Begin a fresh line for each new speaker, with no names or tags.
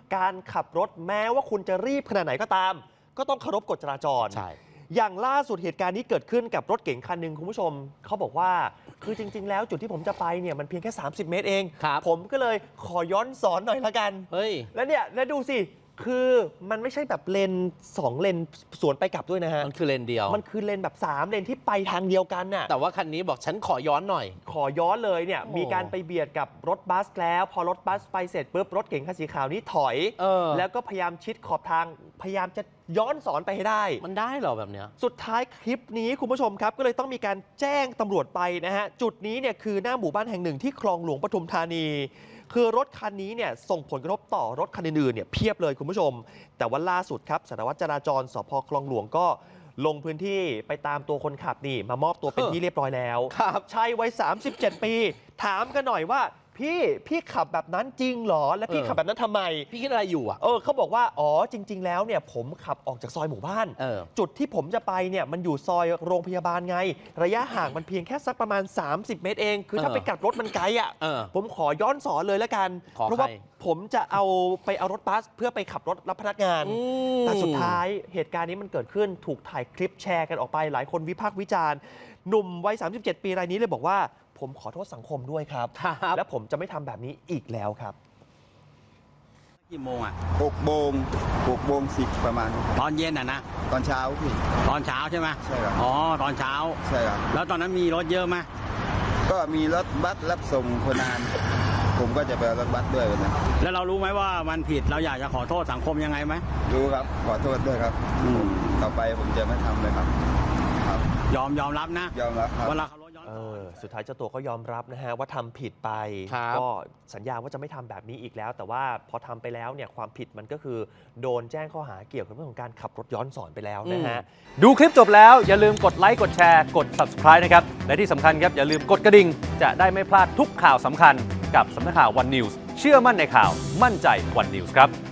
การขับรถแม้ว่าคุณจะรีบขนาดไหนก็ตาม ก็ต้องเคารพกฎจราจร
ใช่
อย่างล่าสุดเหตุการณ์นี้เกิดขึ้นกับรถเก๋งคันหนึ่งคุณผู้ชมเขาบอกว่าคือจริงๆแล้วจุดที่ผมจะไปเนี่ยมันเพียงแค่30 เมตรเอง ผมก็เลยขอย้อนสอนหน่อยละกัน
เฮ้ย
แล้วเนี่ยแล้วดูสิคือมันไม่ใช่แบบเลน2เลนสวนไปกลับด้วยนะฮะ
มันคือเลนเดียว
มันคือเลนแบบ3เลนที่ไปทางเดียวกันน่ะ
แต่ว่าคันนี้บอกฉันขอย้อนหน่อย
ขอย้อนเลยเนี่ย
โอ้
มีการไปเบียดกับรถบัสแล้วพอรถบัสไปเสร็จปุ๊บรถเก๋งคันสีขาวนี้ถอยแล้วก็พยายามชิดขอบทางพยายามจะย้อนสอนไปให้ได้
มันได้เหรอแบบเนี้ย
สุดท้ายคลิปนี้คุณผู้ชมครับก็เลยต้องมีการแจ้งตำรวจไปนะฮะจุดนี้เนี่ยคือหน้าหมู่บ้านแห่งหนึ่งที่คลองหลวงปทุมธานีคือรถคันนี้เนี่ยส่งผลกระทบต่อรถคันอื่นๆเนี่ยเพียบเลยคุณผู้ชมแต่ว่าล่าสุดครับสารวัตรจราจรสภ.คลองหลวงก็ลงพื้นที่ไปตามตัวคนขับนี่มามอบตัวเป็นที่เรียบร้อยแล้วชายวัย37 ปีถามกันหน่อยว่าพี่ขับแบบนั้นจริงเหรอและพี่ขับแบบนั้นทำไม
พี่คิดอะไรอยู่อ่ะ
เขาบอกว่าอ๋อจริง ๆแล้วเนี่ยผมขับออกจากซอยหมู่บ้านจุดที่ผมจะไปเนี่ยมันอยู่ซอยโรงพยาบาลไงระยะห่างมันเพียงแค่สักประมาณ30 เมตรเองคือถ้าไปกลับรถมันไกลอ่ะผมขอย้อนสอนเลยแล้วกันเพราะว่าผมจะเอารถบัสเพื่อไปขับรถรับพนักงานแต่สุดท้ายเหตุการณ์นี้มันเกิดขึ้นถูกถ่ายคลิปแชร์กันออกไปหลายคนวิพากษ์วิจารณ์หนุ่มวัย37 ปีรายนี้เลยบอกว่าผมขอโทษสังคมด้วยครับและผมจะไม่ทำแบบนี้อีกแล้วครับ
กี่โมงอ่ะ
6 โมง 10ประมาณ
ตอนเย็นอ่ะนะ
ตอนเช้าพี่
ตอนเช้าใช่ไหม
ใช่ครับ
อ๋อตอนเช้า
ใช่ครับ
แล้วตอนนั้นมีรถเยอะไหม
ก็มีรถบัสรับส่งคนงานผมก็จะไปรถบัสด้วยนะ
แล้วเรารู้ไหมว่ามันผิดเราอยากจะขอโทษสังคมยังไงไหม
รู้ครับขอโทษด้วยครับต่อไปผมจะไม่ทำเลยครับ
ยอมรับนะ
ยอมรับครับ
เวลาเขารถย้อน
สุดท้ายเจ้าตัวก็ยอมรับนะฮะว่าทำผิดไปก็สัญญาว่าจะไม่ทำแบบนี้อีกแล้วแต่ว่าพอทำไปแล้วเนี่ยความผิดมันก็คือโดนแจ้งข้อหาเกี่ยวกับเรื่องของการขับรถย้อนสอนไปแล้วนะฮะ
ดูคลิปจบแล้วอย่าลืมกดไลค์กดแชร์กด Subscribe นะครับและที่สำคัญครับอย่าลืมกดกระดิ่งจะได้ไม่พลาดทุกข่าวสำคัญกับสำนักข่าว One News เชื่อมั่นในข่าวมั่นใจ One News ครับ